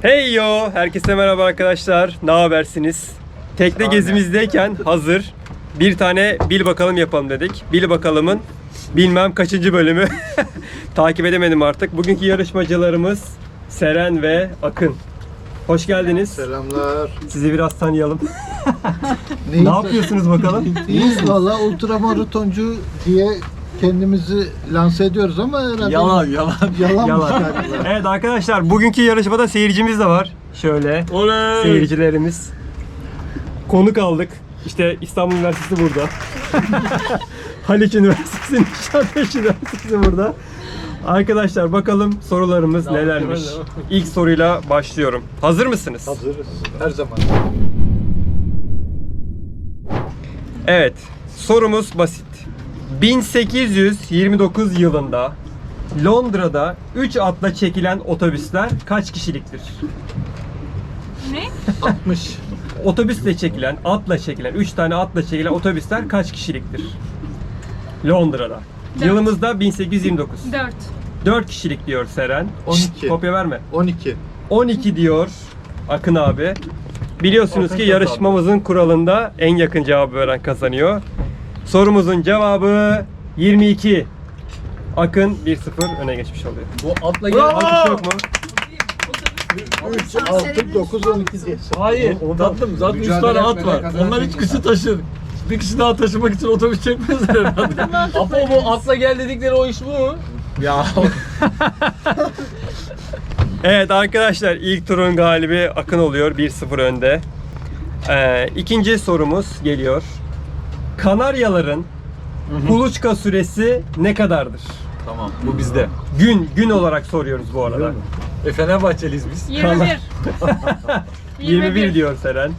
Hey yo! Herkese merhaba arkadaşlar. Ne habersiniz? Tekne gezimizdeyken hazır bir tane bil bakalım yapalım dedik. Bil bakalımın bilmem kaçıncı bölümü. Takip edemedim artık. Bugünkü yarışmacılarımız Seren ve Akın. Hoş geldiniz. Selamlar. Sizi biraz tanıyalım. Ne yapıyorsunuz bakalım? İyiyiz valla, ultramaratoncu diye kendimizi lanse ediyoruz ama herhalde yalanmış galiba. Evet arkadaşlar, bugünkü yarışmada seyircimiz de var. Şöyle Oley! seyircilerimiz. Konuk aldık. İşte İstanbul Üniversitesi burada. Haliç Üniversitesi, Nişantaşı Üniversitesi burada. Arkadaşlar bakalım sorularımız nelermiş. İlk soruyla başlıyorum. Hazır mısınız? Hazırız. Her zaman. Evet. Sorumuz basit. 1829 yılında Londra'da 3 atla çekilen otobüsler kaç kişiliktir? Ne? 60. Otobüsle çekilen, atla çekilen, 3 tane atla çekilen otobüsler kaç kişiliktir? Londra'da. Dört. Yılımızda 1829. 4. 4 kişilik diyor Seren. 12. Kopya verme. 12. 12 diyor Akın abi. Biliyorsunuz Akın ki kazandı. yarışmamızın kuralında en yakın cevabı veren kazanıyor. Sorumuzun cevabı 22. Akın 1-0 öne geçmiş oluyor. Bu atla Alkış yok mu? 3, 6, 9, 12 diye. Hayır, tatlım zaten 3 tane at var. Onlar 3 kişi taşır. Bir kişi daha taşımak için otobüs çekmezler herhalde. Apo bu atla gel dedikleri o iş bu. Ya Evet arkadaşlar, ilk turun galibi Akın oluyor. 1-0 önde. İkinci sorumuz geliyor. Kanaryaların kuluçka süresi ne kadardır? tamam, bu bizde. Gün olarak soruyoruz bu arada. Fenerbahçeliyiz biz. 21. 21 diyor Seren.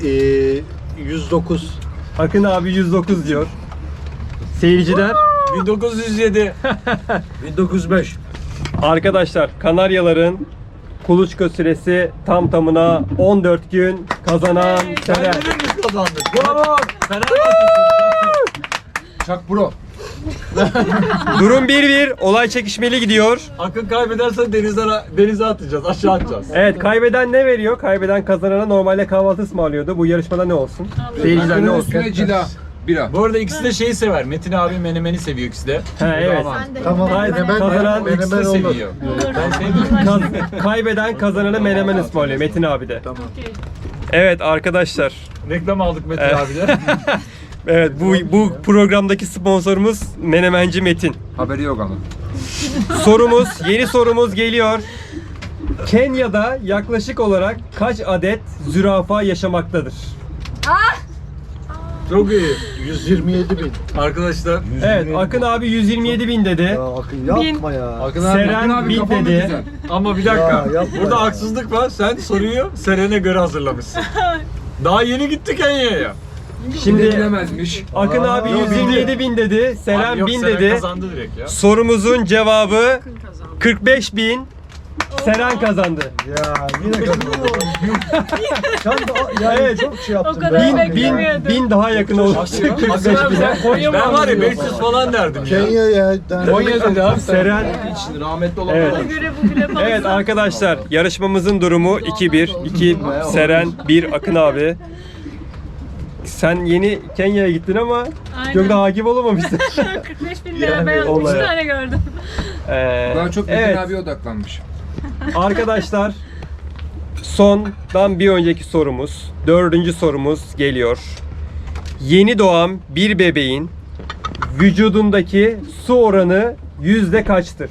109. Akın abi 109 diyor. Seyirciler 1907. 1905. arkadaşlar, Kanaryaların kuluçka süresi tam tamına 14 gün. Kazanan Seren. Biz kazandık. Bravo. Fenerbahçe. Çak bro. Durum 1-1. Olay çekişmeli gidiyor. Akın kaybederse denize atacağız, aşağı atacağız. Evet, kaybeden ne veriyor? Kaybeden kazanana normalde kahvaltı ısmarlıyordu. Bu yarışmada ne olsun? Seyirciler ne olsun? Bira. Bu arada ikisi de şeyi sever. Metin abi menemeni seviyor ikisi de. Ha, evet. Tamam. Kazanan İkisi de Menemen olur. seviyor. Ben sevmiyorum. Kaybeden kazanana menemen ısmarlıyor Metin abi de. Tamam. Evet arkadaşlar. Reklam aldık Metin Evet. abiyle. Evet, bu programdaki sponsorumuz Menemenci Metin. Haberi yok ama. Yeni sorumuz geliyor. Kenya'da yaklaşık olarak kaç adet zürafa yaşamaktadır? Çok iyi. 127 bin. Arkadaşlar. Evet, Akın abi 127 bin dedi. Akın yapma ya. Akın Seren 1000 dedi. Ama bir dakika. Ya, yapma Burada ya. haksızlık var. Sen soruyu Seren'e göre hazırlamışsın. Daha yeni gitti Kenya'ya. Şimdi bilemezmiş. Akın abi 127 bin dedi. Seren Yok, 1000 Seren dedi. kazandı direkt ya. Sorumuzun cevabı 45 bin. Seren kazandı. Ya yine kazandım. Sen de yani Evet. çok şey yaptın. O kadar be. beklemiyordum. Bin daha yakın oldu. Akın abi sen Konya mı? Ben var ya 500 falan derdim ya. Kenya ya. Konya dedi abi. Seren. için rahmetli olan Evet. Buna göre bu bile fazla. Evet arkadaşlar, yarışmamızın durumu 2-1. 2 Seren, 1 Akın abi. Sen yeni Kenya'ya gittin ama Aynen. çok da hakim olamamışsın. 45 bin lira ben 3 olaya. tane gördüm. Daha çok Metin evet abiye odaklanmış. arkadaşlar, sondan bir önceki sorumuz, 4. sorumuz geliyor. Yeni doğan bir bebeğin vücudundaki su oranı yüzde kaçtır?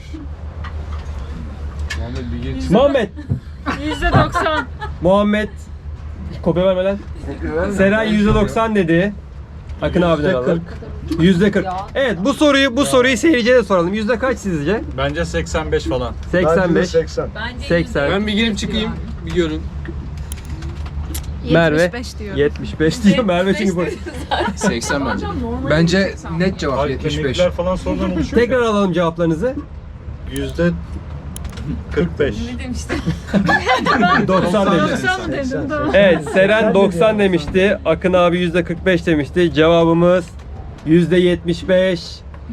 Muhammed. %90. Muhammed kopya vermeden. Seren %90 dedi. Akın abiden alalım. %40. Evet, bu soruyu seyirciye de soralım. Yüzde kaç sizce? Bence 85 falan. 85. 80. 80. Ben bir girip çıkayım. Bir görün. Merve 75 diyor. 75 diyor. Merve çünkü bu. 80 bence. Bence net cevap 75. Kemikler falan sonradan oluşuyor. Tekrar alalım cevaplarınızı. %45. Ne demiştim? 90 demiş. 90 mı dedim? Tamam. Evet, Seren 90 demişti. Akın abi %45 demişti. Cevabımız %75.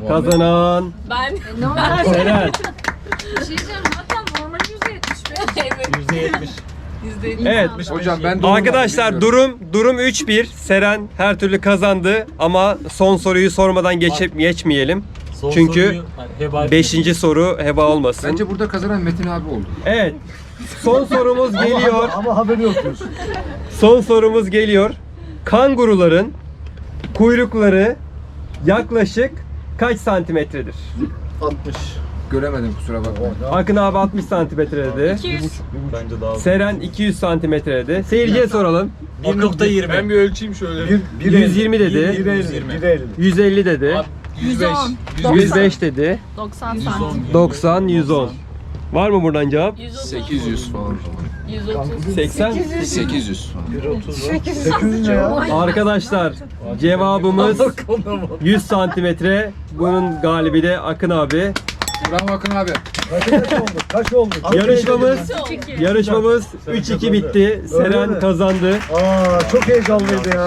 Kazanan Ben Seren. bir şey diyeceğim zaten normal %75. %70. Evet. Hocam ben doğru Arkadaşlar durum 3-1. Seren her türlü kazandı ama son soruyu sormadan geçmeyelim. Son Çünkü soruyu heba 5. soru heba olmasın. Bence burada kazanan Metin abi oldu. Evet. Son sorumuz geliyor. Ama haberi yok diyorsun. Son sorumuz geliyor. Kanguruların kuyrukları yaklaşık kaç santimetredir? 60. Göremedim kusura bakma. Akın abi 60 santimetre dedi. 200. bence daha. Seren 200 santimetre dedi. Seyirciye soralım. 1.20. Ben bir ölçeyim şöyle. 120 dedi. 150. 150 dedi. 105. 105 dedi. 90 santim. 90, 110. Var mı buradan cevap? 800 falan. 130. 80. 800. 800 ne ya? Arkadaşlar cevabımız 100 santimetre. Bunun galibi de Akın abi. Bravo Akın abi. Kaç oldu? Yarışmamız 3-2 bitti. Seren kazandı. Aa çok heyecanlıydı ya.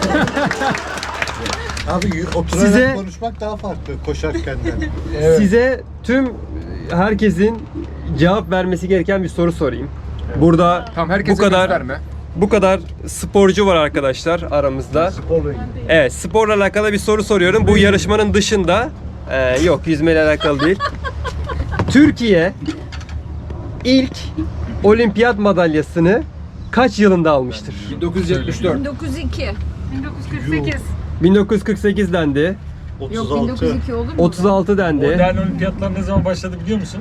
Abi oturarak Size- konuşmak daha farklı koşarken de. Size tüm herkesin cevap vermesi gereken bir soru sorayım. Burada Tamam herkese bu kadar gösterme. bu kadar sporcu var arkadaşlar aramızda. Evet, sporla alakalı bir soru soruyorum. Bu yarışmanın dışında yok, yüzmeyle alakalı değil. Türkiye ilk olimpiyat madalyasını kaç yılında almıştır? 1974. 1902. 1948. 1948 dendi. Yok 1902 olur mu? 36 dendi. Modern olimpiyatlar ne zaman başladı biliyor musun?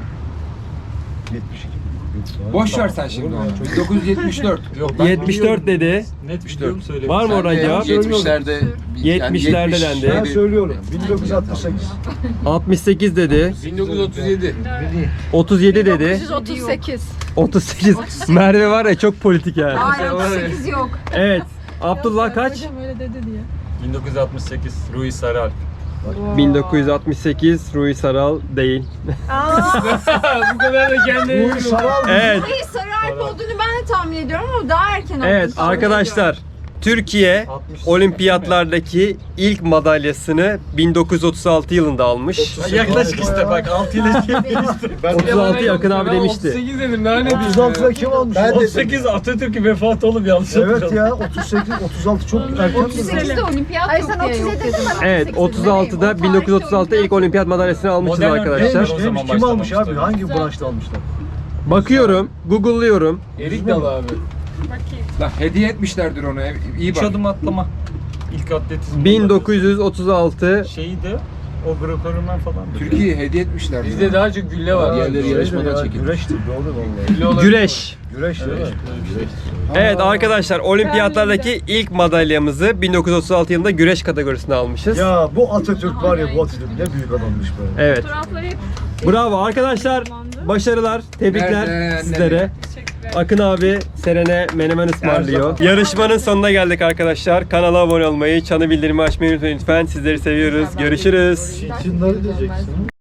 Boş ver sen şimdi onu. 1974. Yok 74 dedi. Net biliyorum söyle. Var mı oradan Ben de cevap? 70'lerde 70'lerde dendi. Ben söylüyorum. 1968. 68 dedi. 1937. 37 dedi. 1938. 38. Merve var ya, çok politik yani. Hayır 38 yok. Evet. Abdullah kaç? 1968 Rui Saralp. 1968 Rui Saral değil. Bu kadar da kendini. Evet. Hayır Sarı Alp olduğunu ben de tahmin ediyorum ama daha erken olduğunu Evet tahmin arkadaşlar. Türkiye olimpiyatlardaki ilk madalyasını 1936 yılında almış. Yaklaşık işte bak 6 ile Ben 36 Akın abi demişti. 38 dedim daha ne diyeyim 36'da kim almış? Ben de 38 Atatürk'ün vefatı olup yanlış Evet hatırladım. ya 38, 36 çok erken. 38'de olimpiyat yok diye yok dedim. Evet 36'da 1936'da ilk olimpiyat madalyasını almışız Modern arkadaşlar. olimpiyat. O zaman Kim almış abi? başlamıştı. Hangi branşta almışlar? Bakıyorum, Google'lıyorum. Erik Dalı abi. Bakayım. Lan hediye etmişlerdir onu. İyi 3 bak. adım atlama. İlk atletizm. 1936 Şeydi o Greco-Romen falan. Türkiye'ye hediye etmişlerdir. Bizde daha çok gülle var. Diğerleri yarışmadan çekildi. Güreştir doğru vallahi. Gülle olabilir. güreş. Güreş değil mi? Evet arkadaşlar olimpiyatlardaki ilk madalyamızı 1936 yılında güreş kategorisinde almışız. Ya bu Atatürk var ya bu Atatürk ne büyük adammış be. Evet. Fotoğrafları hep Bravo arkadaşlar. Başarılar. Tebrikler Nerede? sizlere. teşekkürler. Akın abi Seren'e menemen ısmarlıyor. Yarışmanın sonuna geldik arkadaşlar. Kanala abone olmayı, çanı bildirimi açmayı unutmayın lütfen. Sizleri seviyoruz. Görüşürüz. Şunları diyeceksin.